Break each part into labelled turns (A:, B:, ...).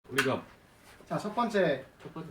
A: 우리가
B: 자, 첫 번째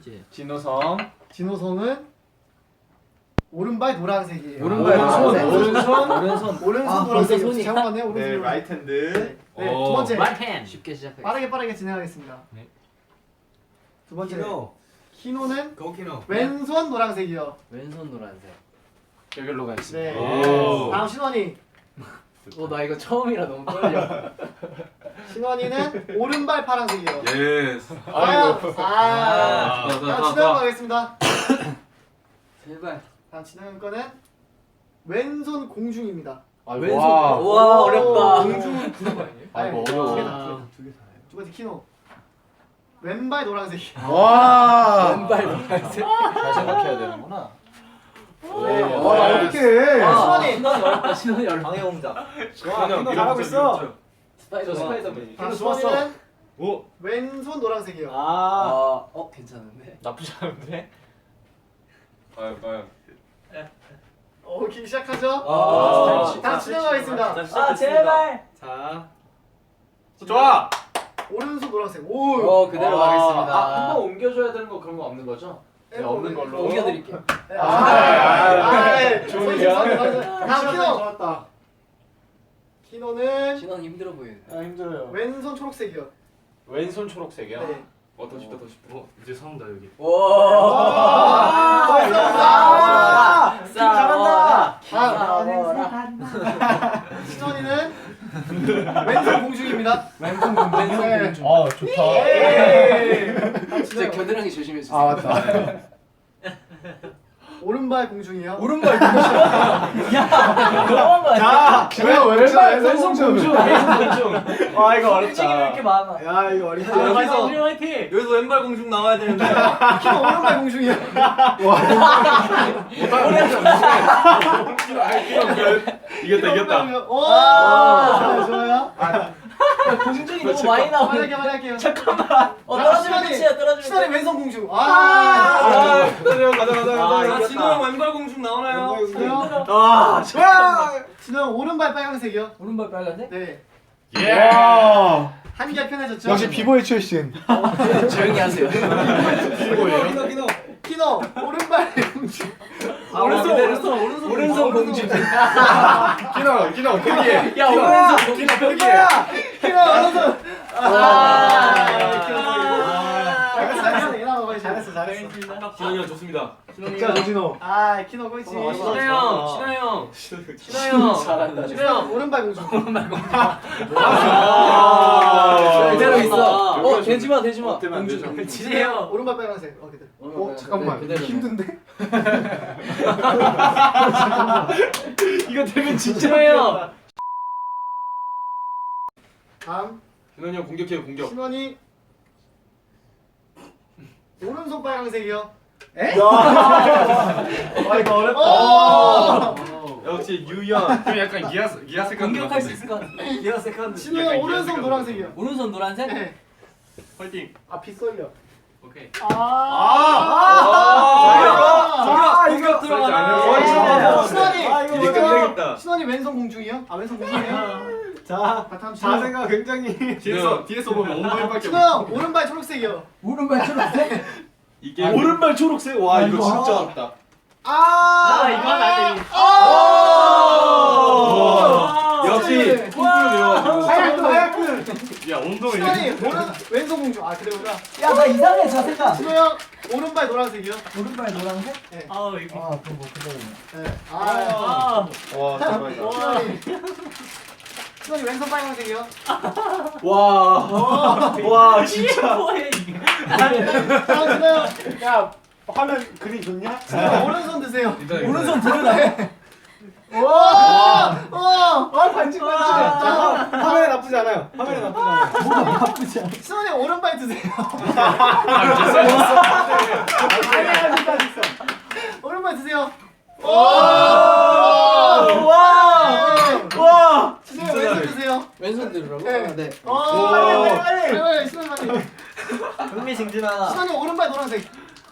C: 진호성은
B: 오른발 노란색이에요.
C: 오른발 노란색.
B: 오른손 노란색이요. 잘못 봤네요. 오른손.
D: 네, 라이트 핸드.
B: 네, 두 번째.
E: right hand. 쉽게 시작해.
B: 빠르게 진행하겠습니다.
A: 네.
B: 두 번째.
C: 키노는
D: 고키노.
B: 왼손 노란색이요.
E: 왼손 노란색.
C: 여기로 가겠습니다.
B: 네.
A: 오.
B: 다음 신원이.
E: 나 이거 처음이라 너무 떨려.
B: 신원이는 오른발 파란색이요.
A: 예스.
B: 아이고.
A: 자,
B: 다음 진영 가겠습니다.
E: 제발.
B: 다음 진영 거는 왼손 공중입니다.
E: 왼손. 와 어렵다.
B: 공중은 부르고 아니에요?
C: 아이고,
B: 두개
C: 어려워.
B: 다. 두 번째 키노. 왼발 노란색이요.
C: 와.
E: 왼발 노란색.
C: 잘 생각해야 되는구나.
B: 네.
C: 와, 어떡해.
B: 신원이.
E: 신원이 어렵다. 신원이 어렵다.
D: 방해 공작.
A: 와,
D: 키노 잘하고 있어.
E: 스파이더맨.
B: 다음 신원이는
A: 오.
B: 왼손 노란색이요.
E: 괜찮은데.
C: 나쁘지 않은데?
A: 과연.
B: 오케이 시작하죠. 다음
E: 아,
B: 진행하겠습니다.
E: 제발.
D: 자.
A: 좋아.
B: 오른손 노란색. 오.
E: 그대로 가겠습니다.
C: 한번 옮겨줘야 되는 거 그런 거 없는 거죠? 네, 없는 걸로.
E: 옮겨드릴게요.
B: 좋은 다음 키노.
D: 좋았다.
B: 키노는
E: 신원 힘들어 보이네.
D: 힘들어요.
B: 왼손 초록색이요.
C: 왼손 초록색이요?
B: 네.
A: 더 쉽다. 이제 싸운다 여기.
E: 잘한다.
B: 신원이는 왼손 공중입니다.
E: 왼손
B: 네.
C: 좋다.
E: 진짜 겨드랑이 조심해 주세요.
C: 맞다.
B: 오른발 공중이요.
E: 오른발 공중. 너무한 거 아니야?
C: 왼손 공중.
D: 와 이거
E: 움직임이 왜 이렇게 많아?
D: 야 이거 어렵다.
E: 화이팅.
D: 여기서 왼발 공중 나와야 되는데.
B: 키노 오른발 공중이요.
A: 이겼다.
B: 오. 좋아요.
E: 공중이 너무 많이 나오네.
B: 말할게요.
E: 잠깐만. 떨어지면 끝이야. 떨어지면.
B: 신원이 왼손 공중.
D: 가자.
E: 진호
D: 왼발 공중 나오나요?
B: 아,
D: 좋아.
B: 진호 오른발 빨간색이요.
E: 오른발 빨간색?
B: 네.
A: 예.
B: 한결 편해졌죠.
C: 역시 비보이 출신.
E: 조용히 하세요.
D: 키노.
B: 키노 오른발 공중.
E: 오른손 공중.
A: 키노 거기에.
E: 야 오른손 공중.
B: 키노 오른손.
D: 잘했어.
A: 진원이 형 좋습니다.
D: 자 조진호.
B: 아 키노 꼴찌.
E: 잘한다.
B: 오른발 공중.
E: 그대로 있어. 되지 마.
A: 공주.
E: 지세요.
B: 오른발 빨간색. 그대로.
C: 잠깐만.
E: 그대로.
C: 힘든데?
E: 이거 되면 진짜예요.
B: 다음
A: 진원이 형 공격해요 공격.
B: 신원이 오른손 빨간색이요.
D: 이거 어렵다.
A: 역시 유연. 좀 약간 기아 색깔.
E: 공격할 수 있을 것 같아. 기아 세컨드.
B: 신원이
A: 약간
B: 오른손
A: 이해가
B: 노란색이요.
E: 오른손 노란색?
B: 네.
A: 화이팅.
B: 빗 쏠려.
A: 오케이.
E: 공격
B: 신원이
A: 이제 끝내겠다.
B: 신원이 왼손 공중이요? 왼손 공중이에요?
D: 자.
B: 다음
D: 자세가 굉장히.
A: 뒤에서 보면 엉덩이밖에
B: 신원 오른발 초록색이요.
E: 오른발 초록색?
A: 이 게임
D: 오른발 초록색. 와 이거 진짜
A: 어렵다.
E: 이건 아니.
A: 역시 콩쿠르 배워가지고.
B: 하얗군.
A: 야 엉덩이.
B: 신원이 왼손 공중. 그대로구나.
E: 야 나 이상해 자세가.
B: 신원 오른발 노란색이요.
E: 오른발 노란색?
B: 네.
E: 그럼 뭐 그대로.
B: 네.
D: 와 대박이다.
B: 신원이 왼손 빨간색이요.
D: 와 진짜.
E: 뭐해 이게?
B: 다음 신원
D: 야 화면 그림 좋냐?
B: 오른손 드세요.
E: 오른손 들으라.
D: 반칙. 화면에 나쁘지 않아요. 화면에 나쁘지 않아요.
E: 뭐가 나쁘지 않아.
B: 신원이 오른발 드세요. 오른발 드세요. 신원이 왼손 드세요.
E: 왼손 들으라고?
B: 네. 빨리. 신원이 빨리.
D: 흥미진진하다.
B: 신원이 오른발 노란색.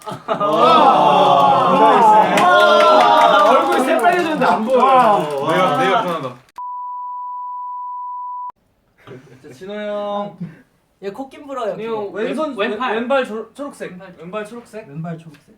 D: 얼굴 새빨개졌는데 안 보여.
A: 내가 편하다.
D: 자 진호 형.
E: 얘 코낀 불어요.
F: 형 왼손 왼발 초록색. 왼발 초록색.
E: 왼발 초록색.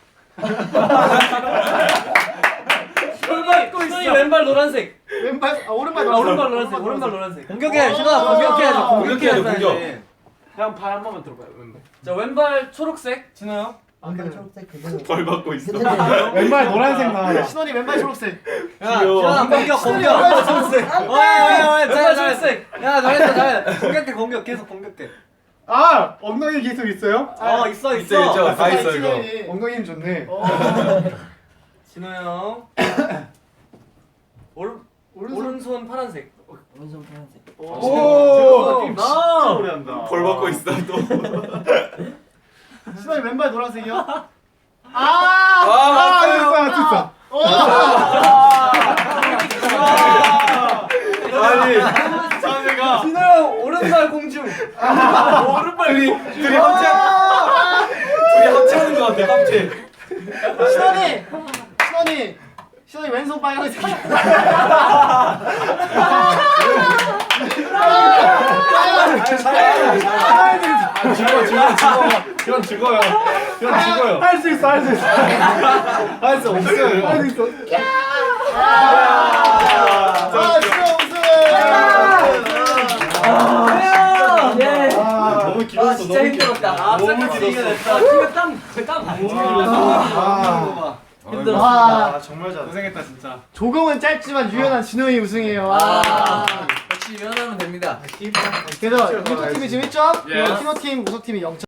F: 신원이 왼발 노란색.
B: 왼발 오른발
F: 오른발 노란색. 오른발 노란색.
E: 공격해. 신아 공격해야죠.
A: 공격해야죠, 공격.
C: 형 발 한 번만 들어봐요. 왼발.
F: 자 왼발 초록색. 진호 형.
E: 왼발 초록색 그대로.
A: 벌 받고 있어.
D: 왼발 노란색 나와요.
B: 신원이 왼발 초록색.
A: 귀여워.
E: 공격
B: 왼발 초록색.
F: 왼발 초록색.
E: 야 잘했어. 공격해 공격 계속 공격해.
D: 아 엉덩이 기술 있어요?
E: 있어
A: 있죠. 다 있어 이거.
D: 엉덩이 힘 좋네.
F: 진호 형. 오른손 파란색.
E: 오른손 파란색.
D: 오.
C: 진짜 오래 한다.
A: 벌 받고 있어 또.
B: 신원이 왼발 노란색이요?
D: 맞췄어.
A: 아니 자네가
F: 진호 형 오른발 공중.
A: 오른발 둘이 합체하는 것 같아 합체.
B: 신원이 왼손 빨간색.
A: 형 죽어요.
D: 할 수 있어.
A: 할 수 없어요.
D: 할 수 있어.
E: 예.
A: 너무 길었어.
E: 진짜 힘들었다.
A: 너무 길었어.
F: 땀
E: 힘들었어.
B: 와
C: 정말 잘해.
A: 고생했다 진짜.
B: 조금은 짧지만 유연한 진호이 우승이에요.
E: 역시 유연하면 됩니다.
B: 그래서 1호 팀이 지금 1점,
A: 예.
B: 키노 팀, 우석 팀이 0점.